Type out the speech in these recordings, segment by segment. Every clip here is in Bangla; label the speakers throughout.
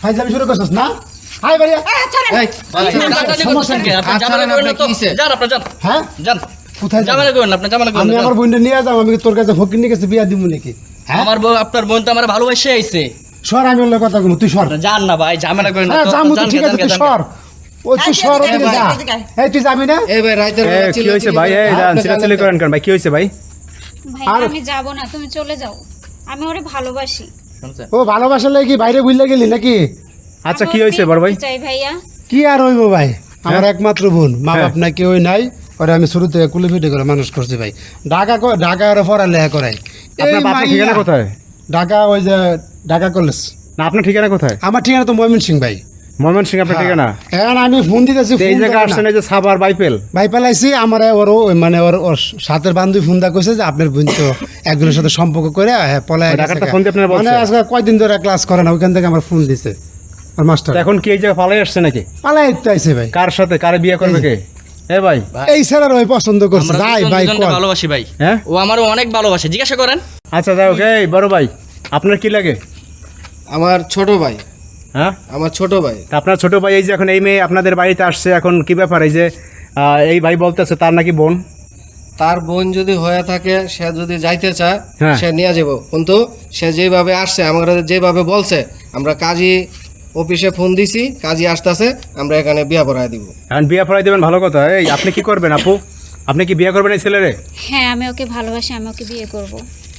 Speaker 1: ফাইজলামি শুরু করছিস না? হাই ভাইয়া
Speaker 2: এই সমস্যা কি আপনি জামালা করেন তো যান আপনি যান
Speaker 1: হ্যাঁ
Speaker 2: যান
Speaker 1: কোথায় যাবেন?
Speaker 2: জামালা করেন আপনি জামালা করেন
Speaker 1: আমি আমার বোনটা নিয়ে যাবো, আমি কি তোর কাছে ফকির কাছে বিয়া দিব নাকি? হ্যাঁ
Speaker 2: আমার বউ আপনার বোন তো আমার ভালোবাসে আইছে
Speaker 1: সর, আমি ওর কথা বলবো, তুই সর।
Speaker 2: যান না ভাই জামালা করেন না
Speaker 1: হ্যাঁ যাবো তো, ঠিক আছে তুই সর। ওই তুই সর, ওদিকে যা। এই তুই যাবি না?
Speaker 3: এই ভাই রাইতের বেলা
Speaker 4: কি হয়েছে ভাই? এই যান চিল্লাচিল্লি করেন কেন ভাই? কি হয়েছে ভাই?
Speaker 5: ভাই
Speaker 1: আর-
Speaker 5: আমি যাব না, তুমি চলে যাও। আমি ওরে ভালোবাসি।
Speaker 1: ও ভালোবাসা লাগে কি বাইরে বুঝলে গেলি নাকি?
Speaker 4: আচ্ছা
Speaker 5: আমি
Speaker 4: কি
Speaker 5: ওর
Speaker 4: হয়েছে
Speaker 5: বিয়ে
Speaker 4: বড় ভাই?
Speaker 5: করতে চাই ভাইয়া।
Speaker 1: কি আর হইব ভাই, আমার একমাত্র বোন, মা
Speaker 4: হ্যাঁ।
Speaker 1: বাপ না কেউ নাই। ওরে আমি শুরু থেকে কুলি ফিটে করে মানুষ করছি ভাই। ঢাকা ওরা পড়ালেখা করাই।
Speaker 4: আপনার বাপের ঠিকানা কোথায়?
Speaker 1: ঢাকা, ওই যে ঢাকা কলেজ।
Speaker 4: না আপনার ঠিকানা কোথায়?
Speaker 1: আমার ঠিকানা তো ময়মনসিংহ ভাই।
Speaker 4: ময়মনসিংহ আপনার ঠিকানা?
Speaker 1: এখন আমি ফোন দিতেছি,
Speaker 4: তো এই জায়গা আসছেন এই যে সাবার বাইপেল।
Speaker 1: ভাই পেলাইছি আমার ওর মানে ওর সাথের বান্ধবী ফোন দা কইছে যে আপনার বোন তো একজনের সাথে সম্পর্ক করে হ্যাঁ পলায়
Speaker 4: ওই ঢাকারটা ফোন দিয়ে আপনারা বলছে?
Speaker 1: মানে আজকে কয়দিন ধরে ক্লাস করে না, ওইখান থেকে আমার ফোন দিছে আর মাস্টার।
Speaker 4: তো এখন কি এই জায়গা পালাই আসছে নাকি?
Speaker 1: পালাই তো আইছে ভাই।
Speaker 4: কার সাথে কারে বিয়ে করবে কে? এ ভাই
Speaker 1: এই স্যার ওই পছন্দ করছে,
Speaker 2: আমরা
Speaker 1: যাই ভাই
Speaker 2: দুজনকে
Speaker 1: কোন
Speaker 2: ভালোবাসি ভাই
Speaker 4: হ্যাঁ
Speaker 2: ও আমারও অনেক ভালোবাসে জিজ্ঞাসা করেন
Speaker 4: আচ্ছা যাই হোক। এই বড় ভাই আপনার কি লাগে?
Speaker 3: আমার ছোট ভাই,
Speaker 4: হ্যাঁ
Speaker 3: আমার ছোট ভাই।
Speaker 4: তা আপনার ছোট ভাই এই যে এখন এই মেয়ে আপনাদের বাড়িতে আসছে, এখন কি ব্যাপার? এই যে এই ভাই বলতেছে তার নাকি বোন।
Speaker 3: তার বোন যদি হয়ে থাকে, সে যদি যাইতে চায়
Speaker 4: হ্যাঁ।
Speaker 3: সে নিয়ে যাব, কিন্তু সে যেভাবে আসছে আমাদের যেভাবে বলছে, আমরা কাজী অফিসে ফোন দিছি, কাজী আসতেছে, আমরা এখানে বিয়া পড়ায় দিব।
Speaker 4: এখন বিয়ে পড়াই দেবেন, ভালো কথা। এই আপনি কি করবেন আপু? আপনি কি বিয়ে করবেন এই ছেলেরে?
Speaker 5: হ্যাঁ আমি ওকে ভালোবাসি, আমি ওকে বিয়ে করব।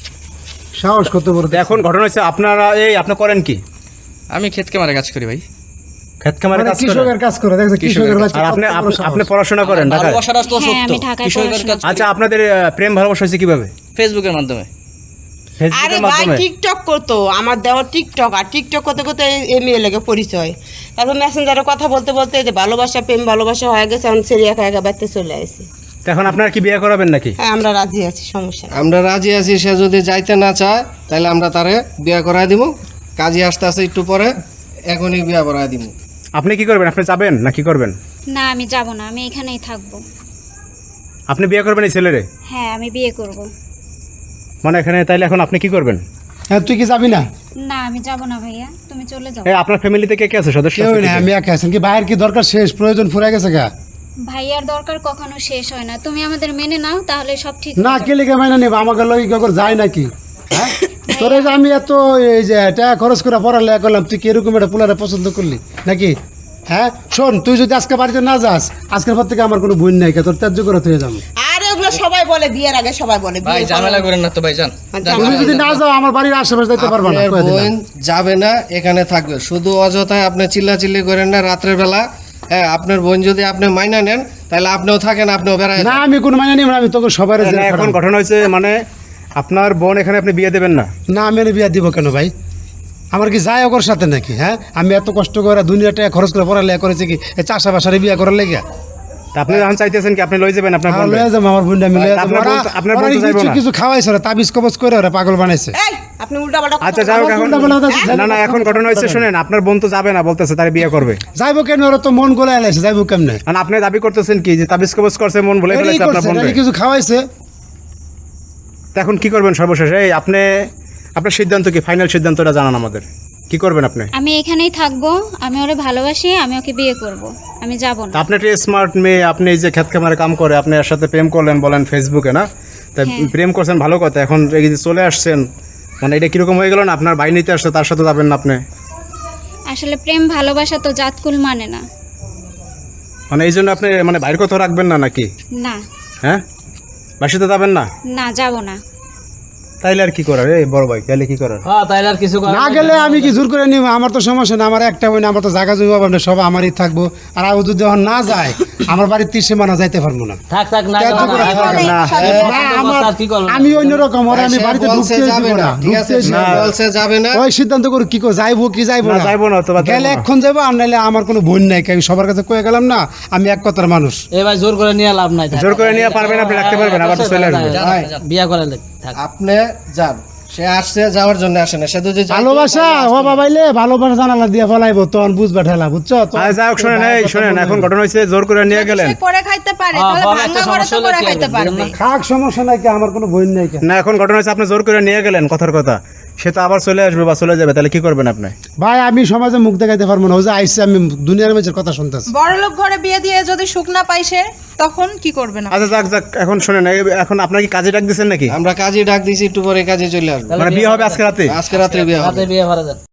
Speaker 1: সাহস করতে বড়।
Speaker 4: তো এখন ঘটনা হচ্ছে আপনারা এই আপনি করেন কি?
Speaker 2: আমি ক্ষেতকে মারে কাজ করি ভাই
Speaker 4: ক্ষেত খামারে
Speaker 1: মানে
Speaker 4: কাজ করেন?
Speaker 1: কৃষকের কাজ করে, দেখছো কৃষকের বাচ্চা।
Speaker 4: আর আপনি
Speaker 1: কত বড় সাহস।
Speaker 4: আপনি পড়াশোনা করেন ঢাকায়?
Speaker 2: ভালোবাসাটা তো
Speaker 5: হ্যাঁ,
Speaker 2: সত্য
Speaker 5: আমি ঢাকায়
Speaker 2: কৃষকের
Speaker 5: পড়াশোনা
Speaker 2: কাজ
Speaker 4: আচ্ছা আপনাদের প্রেম ভালোবাসা হয়েছে কিভাবে?
Speaker 2: ফেসবুকের মাধ্যমে
Speaker 6: আরে
Speaker 4: ফেসবুকের
Speaker 6: ভাই
Speaker 4: মাধ্যমে?
Speaker 6: টিকটক করতো, আমার দেওয়ার টিকটক, আর টিকটক করতে করতে এই মেয়ে লেগে পরিচয়। তারপর মেসেঞ্জারে কথা বলতে বলতে এই যে ভালোবাসা প্রেম ভালোবাসা হয়ে গেছে, এখন সেরি একা একা বাড়তে চলে আসে।
Speaker 4: তো এখন আপনারা কি বিয়ে করাবেন নাকি?
Speaker 6: হ্যাঁ আমরা রাজি আছি, সমস্যা নেই।
Speaker 3: আমরা রাজি আছি, সে যদি যাইতে না চায় তাহলে আমরা তারে বিয়া করায় দিব। কাজী আসতেছে একটু পরে, এখনই বিয়া করায় দিব।
Speaker 4: আপনি কি করবেন? আপনি যাবেন না কি করবেন?
Speaker 5: না আমি যাব না, আমি এখানেই থাকব।
Speaker 4: আপনি বিয়ে করবেন এই ছেলেরে?
Speaker 5: হ্যাঁ আমি বিয়ে করব।
Speaker 4: মানে এখানে তাইলে এখন আপনি কি করবেন?
Speaker 1: হ্যাঁ তুই কি যাবি না?
Speaker 5: না আমি যাব না ভাইয়া, তুমি চলে যাও।
Speaker 4: এই আপনার ফ্যামিলিতে কে কে আছে সদস্য?
Speaker 1: কেউ
Speaker 4: আছে
Speaker 1: না,
Speaker 4: কে কে?
Speaker 1: আমি একা আছি। কি বাইরের কি দরকার শেষ, প্রয়োজন ফুরাই গেছে গা?
Speaker 5: ভাইয়ার দরকার কখনো শেষ হয় না, তুমি আমাদের মেনে নাও তাহলে সব ঠিক
Speaker 1: না
Speaker 5: হয়ে যাবে।
Speaker 1: কে লিখে মাইনা নেব, আমাকে লই কখন যায় নাকি? হ্যাঁ তোরে যে আমি এত এই যে টাকা খরচ করে পড়ালেখা করলাম, তুই কি এরকম একটা পোলারে পছন্দ করলি নাকি? হ্যাঁ শোন, তুই যদি আজকে বাড়িতে না যাস, আজকের পর থেকে আমার কোনো বোন নাই, তোর ত্যায্য করে তুই যাবো।
Speaker 6: আর ওগুলো সবাই বলে বিয়ের আগে, সবাই বলে
Speaker 2: ভাই
Speaker 6: বিয়ে
Speaker 2: ঝামেলা করেন না তো ভাই যান
Speaker 1: তুমি যদি না যাও আমার বাড়ির আশেপাশে যাইতে পারবা না,
Speaker 3: আপনার
Speaker 1: কয়ে দিলাম।
Speaker 3: বোন যাবে না, এখানে থাকবে। শুধু অযথায় আপনি চিল্লাচিল্লি করেন না রাত্রের বেলা। হ্যাঁ আপনার বোন যদি আপনি মাইনা নেন তাহলে আপনিও থাকেন, আপনিও বেড়ায়
Speaker 1: না আমি কোনো মাইনা নিব না, আমি তোকে সবাই
Speaker 4: না, এখন ঘটনা হয়েছে মানে আপনার বোন এখানে আপনি বিয়ে দেবেন না?
Speaker 1: না আমি এনে বিয়া দিব কেন ভাই? আমার কি যায় ওর সাথে নাকি? হ্যাঁ আমি এত কষ্ট করে দুনিয়া টাকা খরচ করে পড়ালেখা করেছি কি এই চাষাবাসারে বিয়া করার লেগে?
Speaker 4: তা আপনি যখন চাইতেছেন কি আপনি লই যাবেন আপনার বোন?
Speaker 1: লয়ে যাবো আমার বোনটা, আমি লয়ে যাবো।
Speaker 4: আপনার বোন- আপনার বোন তো যাইবো না?
Speaker 1: কিছু খাওয়াইছে ওরা, তাবিজ কবজ করে ওরা পাগল বানাইছে।
Speaker 6: এই আপনি উল্টা পাল্টা
Speaker 4: আচ্ছা যাই হোক, এখন না না এখন ঘটনা হয়েছে শুনেন, আপনার বোন তো যাবে না বলতেছে, তার বিয়ে করবে।
Speaker 1: যাইবো কেন? ওরা তো মন গোলা এলাইছে, যাইবো কেমনে?
Speaker 4: মানে আপনি দাবি করতেছেন কি যে তাবিজ কবজ করছে, মন বলে ফেলেছে আপনার বোনকে?
Speaker 1: কিছু খাওয়াইছে।
Speaker 4: তা এখন কি করবেন সর্বশেষ? এই আপনি আপনার সিদ্ধান্ত কি? ফাইনাল সিদ্ধান্তটা জানান আমাদের, কি করবেন আপনি?
Speaker 5: আমি এখানেই থাকবো, আমি ওরে ভালোবাসি, আমি ওকে বিয়ে করব। আমি যাব
Speaker 4: তা
Speaker 5: না।
Speaker 4: আপনি একটা স্মার্ট মেয়ে, আপনি এই যে খেত খামারে কাম করে আপনি এর সাথে প্রেম করলেন বলেন ফেসবুকে, না? তা
Speaker 5: হ্যাঁ।
Speaker 4: প্রেম করছেন ভালো কথা, এখন এই যে চলে আসছেন মানে এটা কিরকম হয়ে গেল না? আপনার ভাই নিতে আসছে, তার সাথে যাবেন না আপনি?
Speaker 5: আসলে প্রেম ভালোবাসা তো জাতকুল মানে না।
Speaker 4: মানে এই জন্য আপনি মানে বাইরের কথা রাখবেন না নাকি?
Speaker 5: না
Speaker 4: হ্যাঁ বাসাতে যাবেন না?
Speaker 5: না যাব না।
Speaker 4: তাইলে আর কি করার? এই বড় ভাই তাইলে কি করার?
Speaker 2: হ্যাঁ তাইলে আর কিছু
Speaker 1: না গেলে আমি কি জোর করে নিব? আমার তো সমস্যা না, আমার একটা বোন, আমার তো জায়গা জমি পাবো, সব আমারই থাকবো। আর আমি যদি যখন না যায়, আমার বাড়ির 30 সীমানা যাইতে পারবো না।
Speaker 2: থাক থাক না
Speaker 1: ত্যায্য করে থাকবে না। না, আমার-
Speaker 2: কি করবেন
Speaker 1: আমি অন্যরকম, ওরা আমি
Speaker 3: সে
Speaker 1: বাড়িতে
Speaker 3: বলছে
Speaker 1: ঢুকতে
Speaker 3: যাবে
Speaker 1: দিব
Speaker 3: না,
Speaker 1: না,
Speaker 3: ঠিক আছে?
Speaker 1: ঢুকতে
Speaker 3: সে বলছে যাবে না।
Speaker 1: ওই সিদ্ধান্ত করে কি করে যাইবো কি যাইবো
Speaker 4: না
Speaker 1: না?
Speaker 4: যাইবো না তো বা যাইবো
Speaker 1: গেলে
Speaker 4: না।
Speaker 1: এখন যাবো, আর নাইলে আমার কোনো বোন নাই, আমি সবার কাছে কয়ে গেলাম না আমি এক কথার মানুষ।
Speaker 2: এ ভাই জোর করে নিয়ে লাভ নাই
Speaker 4: জোর করে নিয়ে পারবেন আপনি, রাখতে পারবেন, আবার তো চলে আসবে।
Speaker 2: বিয়া করে থাক
Speaker 3: আপনি যান, সে আসছে যাওয়ার জন্য আসে না, সে যদি যাইতো
Speaker 1: ভালোবাসা
Speaker 3: তাহলে
Speaker 1: ও
Speaker 3: আসতো না।
Speaker 1: বাবাইলে ভালোবাসা জানালা দিয়ে ফেলাইবো, তখন বুঝবা ঠেলা, বুঝছো তো?
Speaker 4: আচ্ছা যাই হোক, শোনেন এই শোনেন, এখন ঘটনা হয়েছে জোর করে নিয়ে গেলেন।
Speaker 6: সে করে খাইতে পারে,
Speaker 2: হ্যাঁ,
Speaker 6: তাহলে
Speaker 2: বড়
Speaker 6: ভাঙা
Speaker 2: একটা
Speaker 6: ঘরে
Speaker 2: সমস্যা
Speaker 6: তো
Speaker 2: হলে
Speaker 6: করে
Speaker 2: কি
Speaker 6: খাইতে
Speaker 2: হবে?
Speaker 6: পারবে।
Speaker 1: খাক সমস্যা নাই কি, আমার কোনো বোন নাই কেন?
Speaker 4: না এখন ঘটনা হয়েছে আপনি জোর করে নিয়ে গেলেন কথার কথা। সে তো আবার চলে আসবে বা চলে যাবে, তাহলে কি করবেন আপনি?
Speaker 1: ভাই আমি সমাজে মুখ দেখাইতে পারবো না, ও যে আইসে আমি দুনিয়ার মানুষের কথা শুনতেছি।
Speaker 7: বড়লোক ঘরে বিয়ে দিয়ে যদি সুখ না পাই সে, তখন কি করবেন আপনি?
Speaker 4: আচ্ছা যাক, এখন শোনেন, এখন আপনার কি কাজে ডাক দিচ্ছেন নাকি?
Speaker 3: আমরা কাজে ডাক দিয়েছি, একটু পরে কাজে চলে আসবো।
Speaker 4: মানে বিয়ে হবে আজকে রাতে?
Speaker 3: আজকে রাত্রে বিয়ে হবে।
Speaker 2: বিয়ে ভাড়া দেন।